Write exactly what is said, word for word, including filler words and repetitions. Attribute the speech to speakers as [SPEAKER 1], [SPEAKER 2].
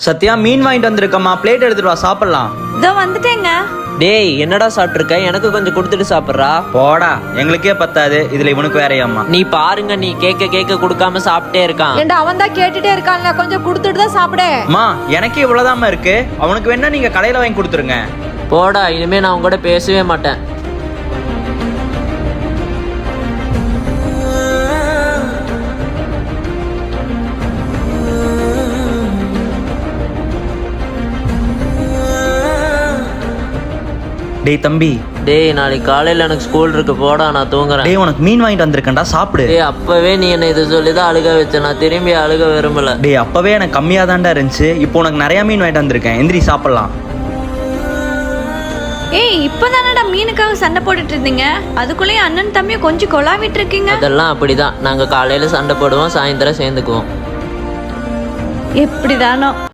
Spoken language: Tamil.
[SPEAKER 1] சத்யா மீன் வாங்கிட்டு வந்திருக்கம்மா, பிளேட் எடுத்துட்டு வா சாப்பிடலாம்.
[SPEAKER 2] இதோ வந்துட்டேங்க.
[SPEAKER 3] டேய் என்னடா சாப்பிட்டுருக்க, எனக்கு கொஞ்சம் கொடுத்துட்டு சாப்பிட்றா.
[SPEAKER 1] போடா, எங்களுக்கே பத்தாது, இதுல இவனுக்கு வேறையாம்மா.
[SPEAKER 3] நீ பாருங்க, நீ கேட்க கேட்க கொடுக்காம சாப்பிட்டே இருக்கான்.
[SPEAKER 4] ஏண்டா அவன் தான் கேட்டுட்டே இருக்கான்ல, கொஞ்சம் கொடுத்துட்டு தான் சாப்பிடு.
[SPEAKER 1] அம்மா எனக்கே இவ்வளவுதாம்மா இருக்கு, அவனுக்கு வேணா நீங்க கடையில வாங்கி கொடுத்துருங்க.
[SPEAKER 3] போடா, இனிமே நான் உங்க கூட பேசவே மாட்டேன்.
[SPEAKER 1] டேய் தம்பி,
[SPEAKER 3] டேய் நாளைக்கு காலையில எனக்கு ஸ்கூல் இருக்கு, போடா நான் தூங்குறேன்.
[SPEAKER 1] டேய் உனக்கு மீன் வாங்கிட்டு வந்திருக்கேன்டா, சாப்பிடு.
[SPEAKER 3] டேய் அப்பவே நீ என்ன இதை சொல்லிதான் அழுக வச்ச, நான் திரும்பி அழுக விரும்பல.
[SPEAKER 1] டேய் அப்பவே எனக்கு கம்மியா தான்டா இருந்துச்சு, இப்போ உனக்கு நிறைய மீன் வாங்கிட்டு வந்திருக்கேன், எந்திரி சாப்பிடலாம்.
[SPEAKER 2] ஏய் இப்பதானடா மீனுக்காக சண்டை போட்டுட்டு இருந்தீங்க, அதுக்குள்ளேயே அண்ணன் தம்பியும் கொஞ்சம் கொலாவிட்டு இருக்கீங்க.
[SPEAKER 3] அதெல்லாம் அப்படிதான், நாங்க காலையில சண்டை போடுவோம், சாயந்தரம் சேர்ந்துக்குவோம்.
[SPEAKER 2] எப்படிதானோ.